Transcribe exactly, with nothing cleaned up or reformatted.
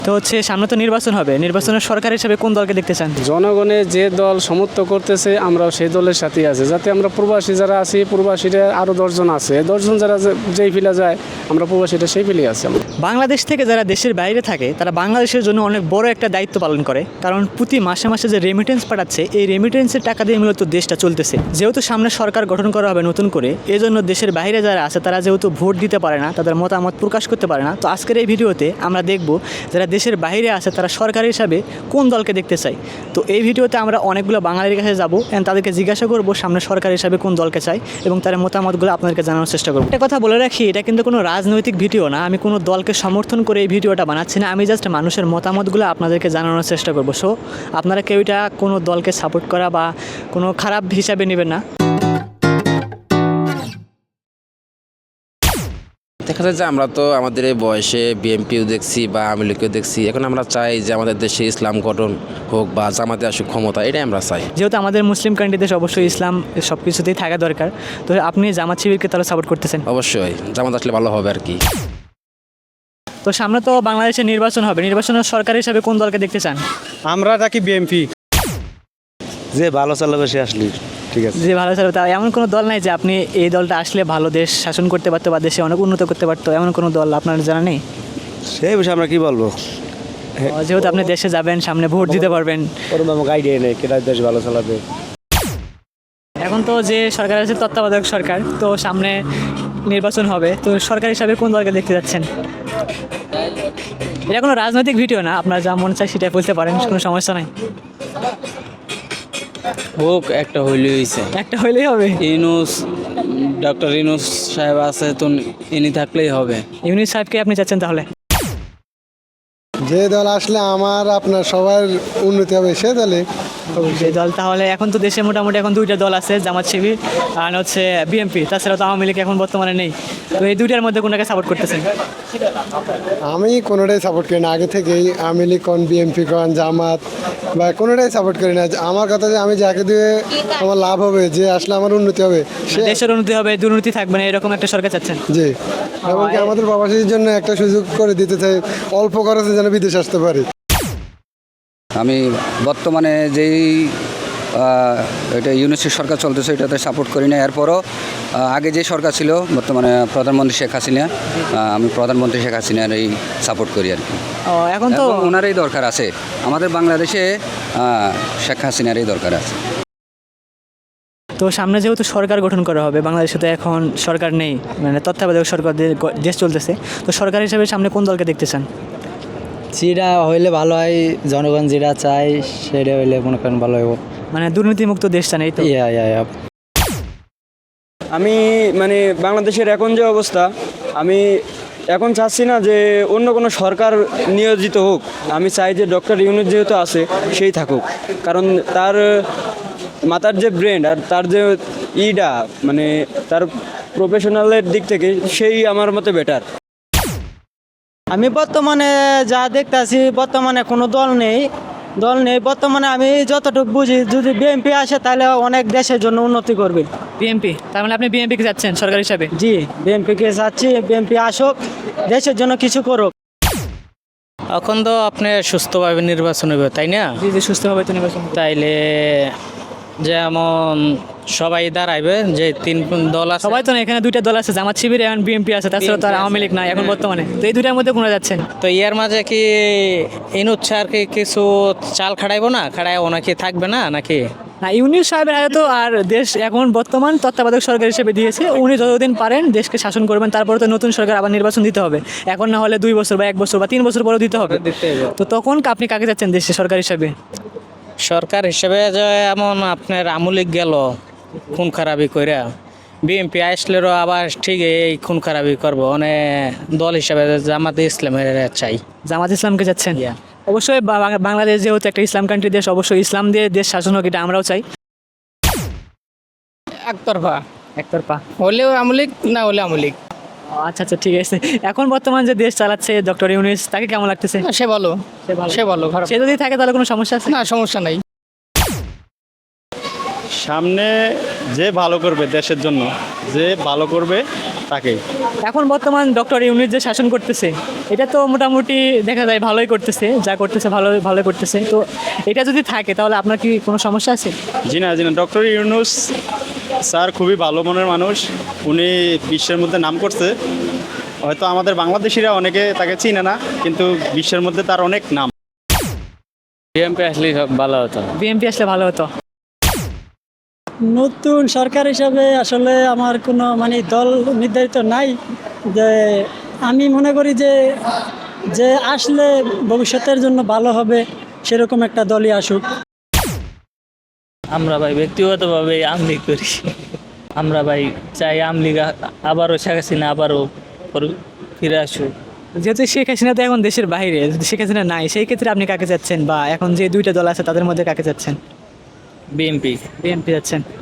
তো হচ্ছে সামনে তো নির্বাচন হবে, নির্বাচনের সরকার হিসেবে কোন দলকে দেখতে চান? জনগণের যে দল সমর্থন করতেছে আমরাও সেই দলের সাথেই আছি, যাতে আমরা প্রবাসী যারা আছি প্রবাসীরা আরও দশজন আছে, দশজন যারা যে- যেই ফিলে যায় আমরা প্রবাসীরা সেই ফিলেই আছি আমরা। বাংলাদেশ থেকে যারা দেশের বাইরে থাকে তারা বাংলাদেশের জন্য অনেক বড় একটা দায়িত্ব পালন করে, কারণ প্রতি মাসে মাসে যে রেমিটেন্স পাঠাচ্ছে এই রেমিটেন্সের টাকা দিয়ে মূলত দেশটা চলতেছে। যেহেতু সামনে সরকার গঠন করা হবে নতুন করে, এই জন্য দেশের বাইরে যারা আছে তারা যেহেতু ভোট দিতে পারে না, তাদের মতামত প্রকাশ করতে পারে না, তো আজকের এই ভিডিওতে আমরা দেখব যারা দেশের বাইরে আছে তারা সরকার হিসাবে কোন দলকে দেখতে চায়। তো এই ভিডিওতে আমরা অনেকগুলো বাঙালির কাছে যাবো এন্ড তাদেরকে জিজ্ঞাসা করবো সামনে সরকার হিসাবে কোন দলকে চাই এবং তার মতামতগুলো আপনাদেরকে জানানোর চেষ্টা করবো। একটা কথা বলে রাখি, এটা কিন্তু কোনো রাজনৈতিক ভিডিও না, আমি কোনো দলকে সমর্থন করে এই ভিডিওটা বানাচ্ছি না, আমি জাস্ট মানুষের মতামতগুলো আপনাদেরকে জানানোর চেষ্টা করবো। সো আপনারা কেউ এটা কোনো দলকে সাপোর্ট করা বা কোনো খারাপ হিসাবে নেবেন না। দেখা যায় যে আমরা তো আমাদের এই বয়সে বিএনপিও দেখছি বা আওয়ামী লীগকেও দেখছি, এখন আমরা চাই যে আমাদের দেশে ইসলাম গঠন হোক বা জামাতে আসুক ক্ষমতা, এটাই আমরা চাই। যেহেতু আমাদের মুসলিম কান্ট্রি দেশ, অবশ্যই ইসলাম সব কিছুতেই থাকা দরকার, তো আপনি জামাত শিবিরকে তাহলে সাপোর্ট করতেছেন? অবশ্যই জামাত আসলে ভালো হবে আর কি। তো সামনে তো বাংলাদেশে নির্বাচন হবে, নির্বাচনের সরকার হিসাবে কোন দলকে দেখতে চান? আমরা থাকি বিএনপি। যে ভালো চালাবে সে আসলে ঠিক আছে। যে ভালো চলবে, তা এমন কোনো দল নাই যে আপনি এই দলটা আসলে ভালো দেশ শাসন করতে পারতো বা দেশে অনেক উন্নত করতে পারতো, এমন কোনো দল আপনার জানা নেই? সেই বিষয়ে আমরা কি বলবো, যেহেতু আপনি দেশে যাবেন, সামনে ভোট দিতে পারবেন, ওরকম আমাকে আইডিয়া নেই কেটা দেশ ভালো চালাবে। এখন তো যে সরকার আছে তত্ত্বাবধায়ক সরকার, তো সামনে নির্বাচন হবে, তো সরকার হিসাবে কোন দলকে দেখতে যাচ্ছেন? এটা কোনো রাজনৈতিক ভিডিও না, আপনার যা মন চায় সেটাই বলতে পারেন, কোনো সমস্যা নাই। হোক একটা হইলেই হয়েছে। একটা হইলেই হবে। ইউনুস ডক্টর ইউনুস সাহেব আছে তো ইনি থাকলেই হবে। ইউনিস সাহেবকে আপনি চাচ্ছেন তাহলে? যে দল আসলে আমার আপনার সবার উন্নতি হবে সে দলে। যে দল তাহলে, এখন তো দেশে মোটামুটি এখন দুইটা দল আছে, জামাত শিবির আর হচ্ছে বিএনপি, তাছাড়া তো আওয়ামী লীগ এখন বর্তমানে নেই, তো এই দুইটার মধ্যে কোনটাকে সাপোর্ট করতেছেন? আমি কোনোটাই সাপোর্ট করি না আগে থেকেই, আওয়ামী লীগ কন বিএনপি কন জামাত বা কোনোটাই সাপোর্ট করি না। আমার কথা যে আমি যাকে দিয়ে আমার লাভ হবে, যে আসলে আমার উন্নতি হবে সে, দেশের উন্নতি হবে, দুর্নীতি থাকবে না, এরকম একটা সরকার চাচ্ছেন? জি। এবং কি আমাদের প্রবাসীদের জন্য একটা সুযোগ করে দিতে চাই, অল্প খরচে যেন বিদেশ আসতে পারি। আমি বর্তমানে যেই আহ, এটা ইউনিসের সরকার চলতেছে এটাতে সাপোর্ট করি না। এরপরও আহ, আগে যে সরকার ছিল বর্তমানে প্রধানমন্ত্রী শেখ হাসিনা, আহ, আমি প্রধানমন্ত্রী শেখ হাসিনার এই সাপোর্ট করি আর কি। ও, এখন তো এবং ওনারই দরকার আছে, আমাদের বাংলাদেশে আহ, শেখ হাসিনারই দরকার আছে। তো সামনে যেহেতু সরকার গঠন করা হবে, বাংলাদেশে তো এখন সরকার নেই, মানে তত্ত্বাবধায়ক সরকার দিয়ে গ- দেশ চলতেছে, তো সরকার হিসাবে সামনে কোন দলকে দেখতে চান? যেটা হইলে ভালো হয়, জনগণ যেটা চায় সেটা হইলে মনে করেন ভালো হইব। মানে দুর্নীতিমুক্ত দেশ চান, এই তো? ইয়া ইয়া ইয়া আমি মানে বাংলাদেশের এখন যে অবস্থা, আমি এখন চাচ্ছি না যে অন্য কোনো সরকার নিয়োজিত হোক, আমি চাই যে ডক্টর ইউনুস যেহেতু আছে সেই থাকুক, কারণ তার মাথার যে ব্রেন আর তার যে ইডা মানে তার প্রফেশনালের দিক থেকে সেই আমার মতে বেটার। আমি বর্তমানে যা দেখতেছি, বর্তমানে কোনো দল নেই দল নেই বর্তমানে আমি যতটুকু বুঝি, যদি বিএনপি আসে তাহলে অনেক দেশের জন্য উন্নতি করবে। বিএনপি, তার মানে আপনি বিএনপিকে যাচ্ছেন সরকার হিসাবে? জি, বিএনপিকে চাচ্ছি, বিএনপি আসুক, দেশের জন্য কিছু করুক। এখন তো আপনি সুস্থভাবে নির্বাচন হবে, তাই না? জি জি, সুস্থভাবে তো নির্বাচন। তাইলে যেমন সবাই দাঁড়াইবে, যে তিন দল আছে সবাই তো না, এখানে দুইটা দল আছে, জামাত শিবির এবং বিএনপি আছে, তাছাড়া তো আর আওয়ামী লীগ নাই এখন বর্তমানে, তো এই দুইটার মধ্যে কোনটা যাচ্ছেন? তো এর মাঝে কি ইনুচ্ছা আর কি কিছু চাল খাড়াইবো না, খাড়াই ওনাকে থাকবে না নাকি? না, ইউনিস সাহেবের আগে তো আর দেশ এখন বর্তমান তত্ত্বাবধায়ক সরকার হিসেবে দিয়েছে, উনি যতদিন পারেন দেশকে শাসন করবেন, তারপরে তো নতুন সরকার আবার নির্বাচন দিতে হবে, এখন না হলে দুই বছর বা এক বছর বা তিন বছর পরেও দিতে হবে। তো তখন আপনি কাকে যাচ্ছেন দেশে সরকার হিসাবে? সরকার হিসেবে যে এমন আপনার আমলিক গেল খুন খারাপি কইরা, বিএনপি আসলেও আবার ঠিক এই খুন খারাপি করবো, মানে দল হিসাবে জামাতে ইসলামের চাই। জামাত ইসলামকে যাচ্ছেন? অবশ্যই বা- বাংলাদেশ যেহেতু একটা ইসলাম কান্ট্রি দেশ, অবশ্যই ইসলাম দিয়ে দেশ শাসন হোক, এটা আমরাও চাই। একতরফা একতরফা হলেও আমলিক, না হলে আমলিক। আচ্ছা আচ্ছা, ঠিক আছে। এখন বর্তমান যে দেশ চালাচ্ছে ডক্টর ইউনিস, তাকে কেমন লাগতেছে? সে ভালো, সে ভালো। সে ভালো, খারাপ সে যদি থাকে তাহলে কোনো সমস্যা আছে? না, সমস্যা নাই। সামনে যে ভালো করবে দেশের জন্য, যে ভালো করবে তাকেই। এখন বর্তমান ডক্টর ইউনূস যে শাসন করতেছে এটা তো মোটামুটি দেখা যায় ভালোই করতেছে, যা করতেছে ভালো ভালো করতেছে। তো এটা যদি থাকে তাহলে আপনার কি কোনো সমস্যা আছে? জি না জি না ডক্টর ইউনূস স্যার খুবই ভালো মনের মানুষ, উনি বিশ্বের মধ্যে নাম করছে। হয়তো আমাদের বাংলাদেশিরা অনেকে তাকে চিনে না, কিন্তু বিশ্বের মধ্যে তার অনেক নাম। বিএমপি আসলে ভালো হতো। বিএনপি আসলে ভালো হতো। নতুন সরকার হিসাবে আসলে আমার কোনো মানে দল নির্ধারিত নাই, যে আমি মনে করি যে যে আসলে ভবিষ্যতের জন্য ভালো হবে সেরকম একটা দলই আসুক। আমরা ভাই ব্যক্তিগতভাবে আমলি করি। আমরা ভাই চাই আমলি আবারও শেখ হাসিনা আবারও ফিরে আসুক। যেহেতু শেখ হাসিনা তো এখন দেশের বাইরে, যদি শেখ হাসিনা নাই সেই ক্ষেত্রে আপনি কাকে চাচ্ছেন, বা এখন যে দুইটা দল আছে তাদের মধ্যে কাকে চাচ্ছেন? বিএনপি। বিএনপি যাচ্ছেন।